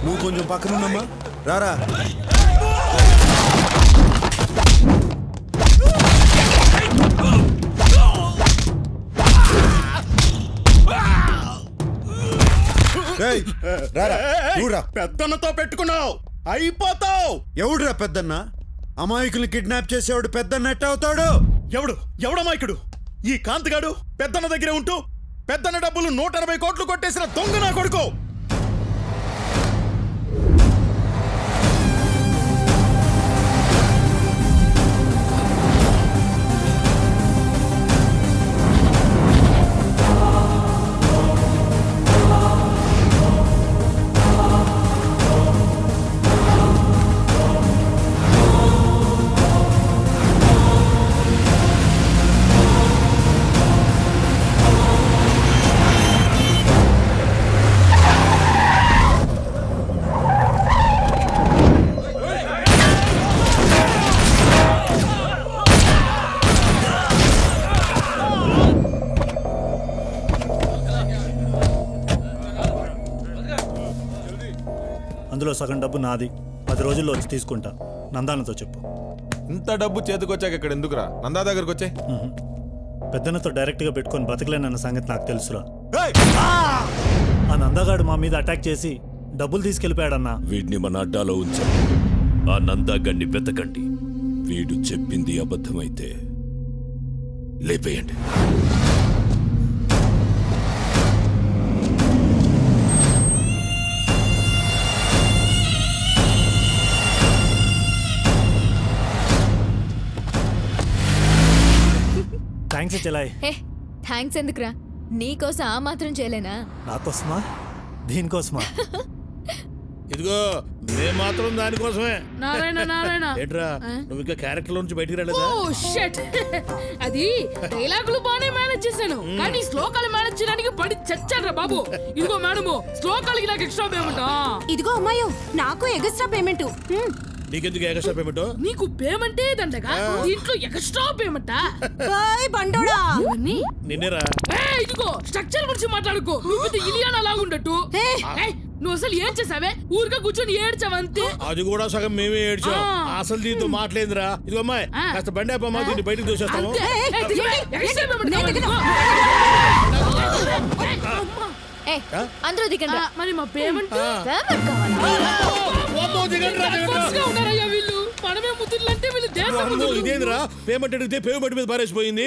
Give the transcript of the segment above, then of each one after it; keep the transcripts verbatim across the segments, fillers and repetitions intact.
నువ్వు కొంచెం పక్కనున్నమ్మా రారా. పెద్దన్నతో పెట్టుకున్నావు అయిపోతావు. ఎవడురా పెద్దన్న? అమాయకుల్ని కిడ్నాప్ చేసేవాడు పెద్దన్న ఎట్ట అవుతాడు? ఎవడు ఎవడమాయకుడు? ఈ కాంతిగాడు పెద్దన్న దగ్గరే ఉంటూ పెద్దన్న డబ్బులు నూట ఎనభై కోట్లు కొట్టేసిన దొంగ నా కొడుకు. అందులో సగం డబ్బు నాది. పది రోజుల్లో వచ్చి తీసుకుంటా. నందానతో చెప్పు. ఇంత డబ్బు చేతికొచ్చాక ఇక్కడ ఎందుకురా? నందా దగ్గరకు వచ్చే. పెద్దనతో డైరెక్ట్గా పెట్టుకొని బతకలేనన్న సంగతి నాకు తెలుసురా. ఆ నందగాడు మా మీద అటాక్ చేసి డబ్బులు తీసుకెళ్ళిపోయాడన్నా. వీడిని మన అడ్డాలో ఉంచాం. ఆ నందాగాడిని వెతకండి. వీడు చెప్పింది అబద్ధమైతే లేపేయండి. థ్యాంక్స్ చెలాయ్. హే థ్యాంక్స్ ఎందుకురా? నీకోసం ఆ మాత్రం చేయలేనా? నాకోసమా? దీనికోసమా? ఇదిగో మేము మాత్రం దానికోసమే. నారాయణ నారాయణ ఏంట్రా నువ్వు ఇంకా క్యారెక్టర్ నుంచి బయటికి రాలేదా? Oh shut. అది డైలాగులు బానే మేనేజ్ చేశాను, కానీ శ్లోకాలు మేనేజ్ చేయడానికి పడి చచ్చాడ్రా బాబు. ఇదిగో మేడము, శ్లోకాలకి నాకు ఎక్స్ట్రా పేమెంట్. ఇదిగో అమ్మాయో, నాకు ఎగస్ట్రా పేమెంట్. నీకెందుకు ఎక్స్ట్రా పేమెంట్? నీకు పేమెంటే దండగా, దీంట్లో ఎక్స్ట్రా పేమెంటా? బండోడా నిన్నేరా. ఇదిగో స్ట్రక్చర్ గురించి మాట్లాడుకో. నువ్వు ఇలియానా లాగుండట్టు. నువ్వు అసలు ఏం చేసావే? ఊరికే కూర్చొని ఏడ్చావంతే. అది కూడా సగం మేమే ఏడ్చాం. అసలు దీంతో మాట్లాడిందిరా. ఇదిగో అమ్మాయి కాస్త బండి అప్పమ్మా, దీన్ని బయటకు దోసేస్తాము. అందరూ దిగండి. మరి మా పేమెంట్ ఉన్నారయ్యా వీళ్ళు. మనమే ముద్దులంటే వీళ్ళు దేశం. ఇదేంద్రా పేమెంట్ అడిగితే పేమెంట్ మీద పారేసిపోయింది.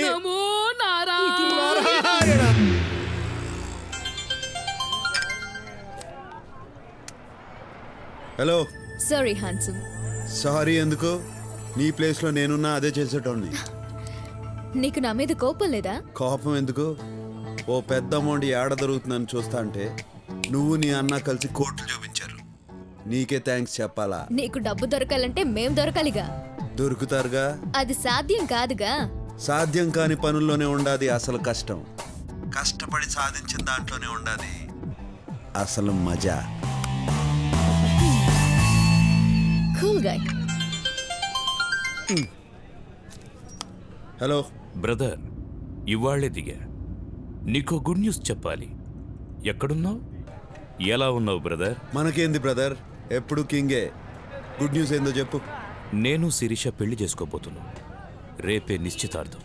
హలో. Sorry handsome. సారీ ఎందుకు? నీ ప్లేస్ లో నేనున్నా అదే చేసేటోడిని. నీకు నా మీద కోపం లేదా? కోపం ఎందుకు? ఓ పెద్ద అమౌంట్ ఏడ దొరుకుతుందని చూస్తా అంటే నువ్వు నీ అన్న కలిసి కోట్లు చూపించారు. నీకే థ్యాంక్స్ చెప్పాలా? నీకు డబ్బు దొరకాలంటే మేం దొరకాలిగా. దొరుకుతారుగా. అది సాధ్యం కాదుగా. సాధ్యం కాని పనుల్లోనే ఉండాది అసలు కష్టం. కష్టపడి సాధించిన దాంట్లోనే ఉండాది అసలు మజా. Cool guy. హలో బ్రదర్, ఇవాళ్లే దిగా. నీకో గుడ్ న్యూస్ చెప్పాలి. ఎక్కడున్నావు? ఎలా ఉన్నావు బ్రదర్? మనకేంది బ్రదర్, ఎప్పుడు కింగే. గుడ్ న్యూస్ ఏందో చెప్పు. నేను శిరీష పెళ్లి చేసుకోబోతున్నా. రేపే నిశ్చితార్థం.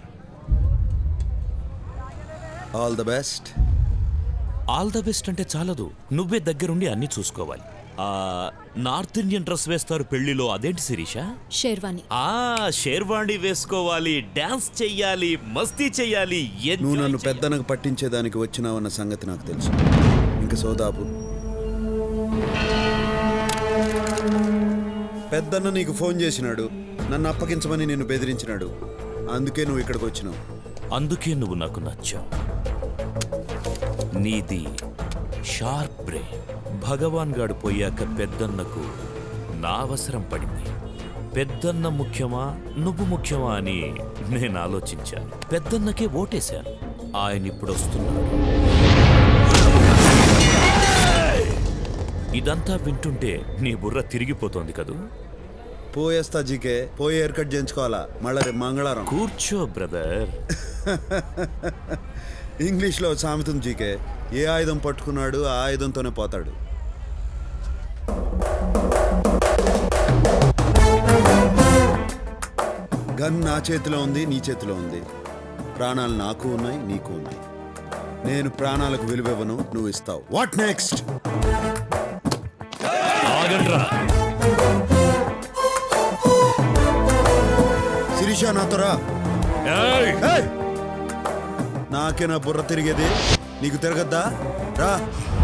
All the best. All the best అంటే చాలదు, నువ్వే దగ్గరుండి అన్ని చూసుకోవాలి. ఆ నార్త్ ఇండియన్ డ్రెస్ వేస్తారు పెళ్లిలో, అదేంటి శిరీష? షేర్వాణి. ఆ షేర్వాణి వేసుకోవాలి, డాన్స్ చెయ్యాలి, మస్తీ చెయ్యాలి. నువ్వు నన్ను పెద్దనకు పట్టించేదానికి వచ్చినావన్న సంగతి నాకు తెలుసు. ఇంక సోదాపు. పెద్దన్న నీకు ఫోన్ చేసినాడు, నన్ను అప్పగించమని నిన్ను బెదిరించినాడు. అందుకే నువ్వు ఇక్కడికి వచ్చినావు. అందుకే నువ్వు నాకు నచ్చావు. నీది షార్ప్ బ్రెయిన్. భగవాన్ గాడు పోయాక పెద్దన్నకు నా అవసరం పడింది. పెద్దన్న ముఖ్యమా నువ్వు ముఖ్యమా అని నేను ఆలోచించాను. పెద్దన్నకే ఓటేశాను. ఆయన ఇప్పుడు వస్తున్నాడు. ఇదంతా వింటుంటే నీ బుర్ర తిరిగిపోతోంది కదూ? పోయేస్తా జీకే. పోయి హెయిర్ కట్ చేయించుకోవాలా మళ్ళా రేపు మంగళవారం. కూర్చో బ్రదర్. ఇంగ్లీష్లో సామెతం జీకే, ఏ ఆయుధం పట్టుకున్నాడు ఆ ఆయుధంతోనే పోతాడు. గన్ నా చేతిలో ఉంది, నీ చేతిలో ఉంది. ప్రాణాలు నాకు ఉన్నాయి, నీకు ఉన్నాయి. నేను ప్రాణాలకు విలువివ్వను, నువ్వు ఇస్తావు. What next? ఆగండ్రా. శిరీష నాతో రా. ఏయ్! ఏయ్! నాకే నా బుర్ర తిరిగేది, నీకు తిరగద్దా? రా.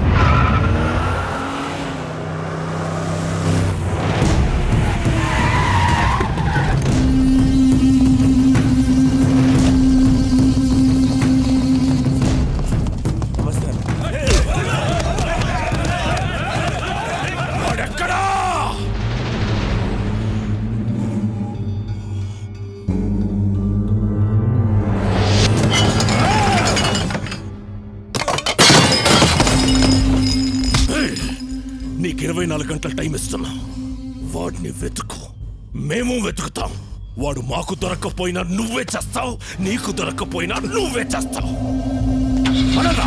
నీకు ఇరవై నాలుగు గంటల టైం ఇస్తున్నా. వాడిని వెతుకు, మేము వెతుకుతాం. వాడు మాకు దొరక్కపోయినా నువ్వే చేస్తావు, నీకు దొరక్కపోయినా నువ్వే చేస్తావు. అనరా?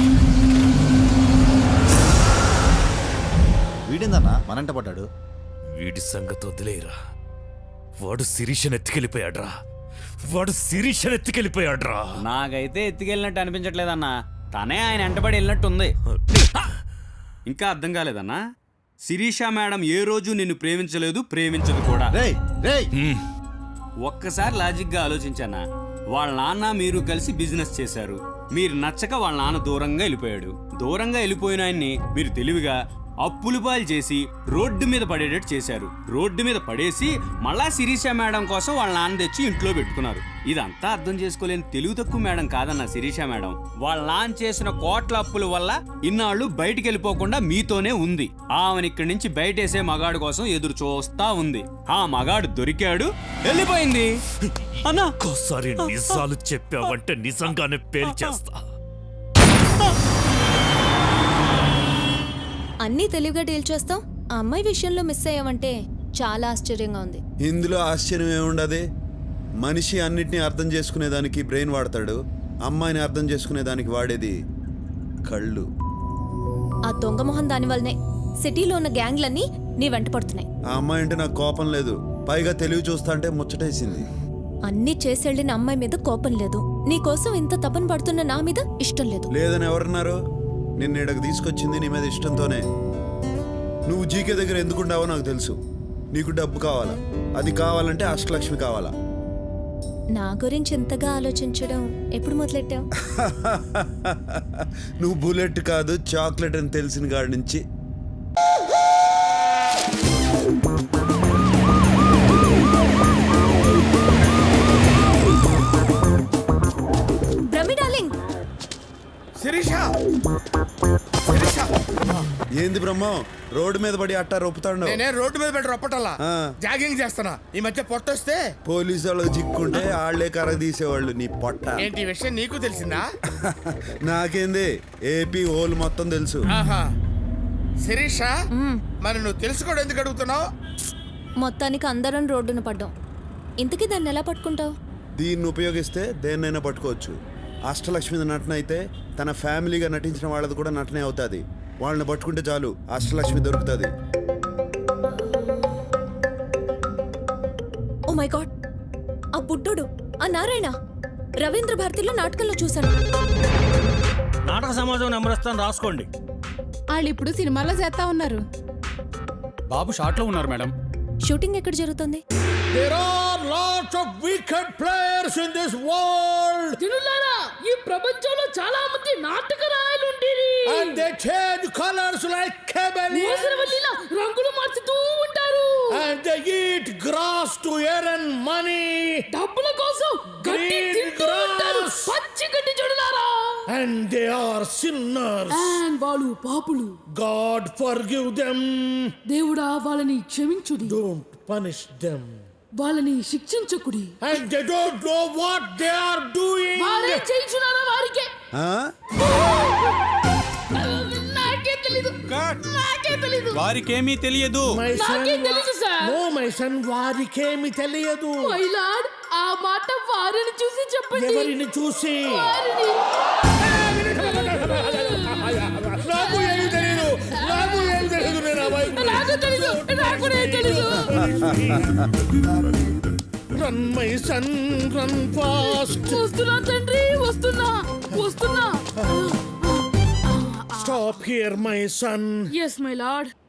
వీడిందన్నా మనంట పడ్డాడు. వీడి సంగతి వదిలేరా. వాడు శిరీషను ఎత్తుకెళ్ళిపోయాడ్రా. వాడు శిరీషను ఎత్తుకెళ్ళిపోయాడ్రా. నాకైతే ఎత్తుకెళ్ళినట్టు అనిపించట్లేదన్నా. తనే ఆయన వెంటబడి వెళ్ళినట్టుంది. ఇంకా అర్థం కాలేదన్నా? శిరీష మేడం ఏ రోజు నిన్ను ప్రేమించలేదు, ప్రేమించదు కూడా. రేయ్ రేయ్ ఒక్కసారి లాజిక్ గా ఆలోచించానా? వాళ్ళ నాన్న మీరు కలిసి బిజినెస్ చేశారు. మీరు నచ్చక వాళ్ళ నాన్న దూరంగా వెళ్ళిపోయాడు. దూరంగా వెళ్ళిపోయిన ఆయన్ని మీరు తెలివిగా అప్పులు పాలు చేసి రోడ్డు మీద పడేటట్టు చేశారు. రోడ్డు మీద పడేసి మళ్ళా శిరీష మేడం కోసం వాళ్ళ నాన్న తెచ్చి ఇంట్లో పెట్టుకున్నారు. ఇదంతా అర్థం చేసుకోలేని తెలుగు తక్కువ మేడం కాదన్న శిరీష మేడం. వాళ్ళ నాన్న చేసిన కోట్ల అప్పుల వల్ల ఇన్నాళ్ళు బయటికి వెళ్ళిపోకుండా మీతోనే ఉంది. ఆమెను ఇక్కడి నుంచి బయటేసే మగాడు కోసం ఎదురు చూస్తా ఉంది. ఆ మగాడు దొరికాడు, వెళ్ళిపోయింది. అన్నా ఒక్కోసారి నిజాలు చెప్పావంటే నిజంగానే పేల్చేస్తా. అన్నీ తెలివిగా డీల్ చేస్తాం. ఆ అమ్మాయి విషయంలో మిస్ అయ్యావంటే చాలా ఆశ్చర్యంగా ఉంది. ఇందులో ఆశ్చర్యం ఏముండదు. మనిషి అన్నిటినీ అర్థం చేసుకునేదానికి బ్రెయిన్ వాడతాడు, అమ్మాయిని అర్థం చేసుకునేదానికి వాడేది కళ్ళు. ఆ దొంగ మొహం దాని వల్లనే సిటీలో ఉన్న గ్యాంగ్లన్నీ నీ వెంట పడుతున్నాయి. ఆ అమ్మాయి అంటే నాకు కోపం లేదు, పైగా తెలివి చూస్తా అంటే ముచ్చటేసింది. అన్నీ చేసెళ్ళిన అమ్మాయి మీద కోపం లేదు, నీ కోసం ఇంత తపన పడుతున్న నా మీద ఇష్టం లేదు. లేదని ఎవరన్నారు? నిన్ను ఇక్కడికి తీసుకొచ్చింది నీ మీద ఇష్టంతోనే. నువ్వు జీకే దగ్గర ఎందుకుంటావో నాకు తెలుసు. నీకు డబ్బు కావాలా, అది కావాలంటే అష్టలక్ష్మి కావాలా. నా గురించి ఇంతగా ఆలోచించడం ఎప్పుడు మొదలెట్టావు? నువ్వు బుల్లెట్ కాదు చాక్లెట్ అని తెలిసిన కాడి నుంచి. బ్రహ్మి డార్లింగ్. శిరీష, శిరీష, ఏంది బ్రహ్మ రోడ్డు మీద పడి అట్టా రొప్పుతాడు? నేనే రోడ్డు మీద పెట్టి రొప్పటల్లా ఆ. జాగింగ్ చేస్తున్నా. ఈ మధ్య పొట్టొస్తే పోలీసు వాళ్ళు చిక్కుంటే ఆళ్లే కర్ర తీసేవాళ్ళు. నీ పొట్ట ఏంటి ఈ విషయం నీకు తెలిసిందా? నాకేంది, ఏపీ హోల్ మొత్తం తెలుసు. ఆహా. శిరీష, మరి నువ్వు తెలుసుకోవడం ఎందుకు అడుగుతున్నావు? మొత్తానికి అందరం రోడ్డున పడ్డాం. ఇంతకీ దాన్ని ఎలా పట్టుకుంటావు? దీన్ని ఉపయోగిస్తే దేన్నైనా పట్టుకోవచ్చు. అష్టలక్ష్మి నటన అయితే తన ఫ్యామిలీగా నటించిన వాళ్ళది కూడా నటనే అవుతుంది. వాళ్ళని పట్టుకుంటే చాలు, అష్టలక్ష్మి దొరుకుతుంది. ఓ మై గాడ్, ఆ బుడ్డోడు, ఆ నారాయణ రవీంద్ర భారతిలో నాటకంలో చూశాను. నాటక సమాజం నెంబర్ ఇస్తాను, రాసుకోండి. వాళ్ళు ఇప్పుడు సినిమాలో చేస్తా ఉన్నారు. బాబు షార్ట్ లో ఉన్నారు మేడం. షూటింగ్ ఎక్కడ జరుగుతుంది? There are lots of wicked players in this world తినులారా, ఈ ప్రపంచంలో చాలా మంది నాటక రాయలు ఉండేది. and they change colors like chameleons మోసరవల్లిలా రంగులు మార్చుతూ ఉంటారు. and they eat grass to earn money డబ్బుల కోసం గడ్డి Green తింటూ ఉంటారు. grass. పచ్చి గడ్డి చూడలారా. and they are sinners. And వాళ్ళు పాపులు. God forgive them, దేవుడా వాళ్ళని క్షమించుడి, don't punish them. వాళ్ళని శిక్షించకుడి. And they don't know what they are doing. వారే చేయించున్నారా వారికే? ఆ? నాకే తెలీదు, నాకే తెలీదు, వారికేమీ తెలియదు. My son, నాకే తెలీదు సార్. no my son, వారికేమి తెలియదు. మై లార్డ్, ఆ మాట వారిని చూసి చెప్పండి. ఎవరిని చూసి? వారిని. నాకు ఏమి తెలియదు, నాకు ఏమి తెలియదు. నేను అబ్బాయి నాకు తెలీదు, నాకు తెలీదు. Run my son run fast. వస్తున్నా తండ్రి వస్తున్నా వస్తున్నా stop here my son. Yes my lord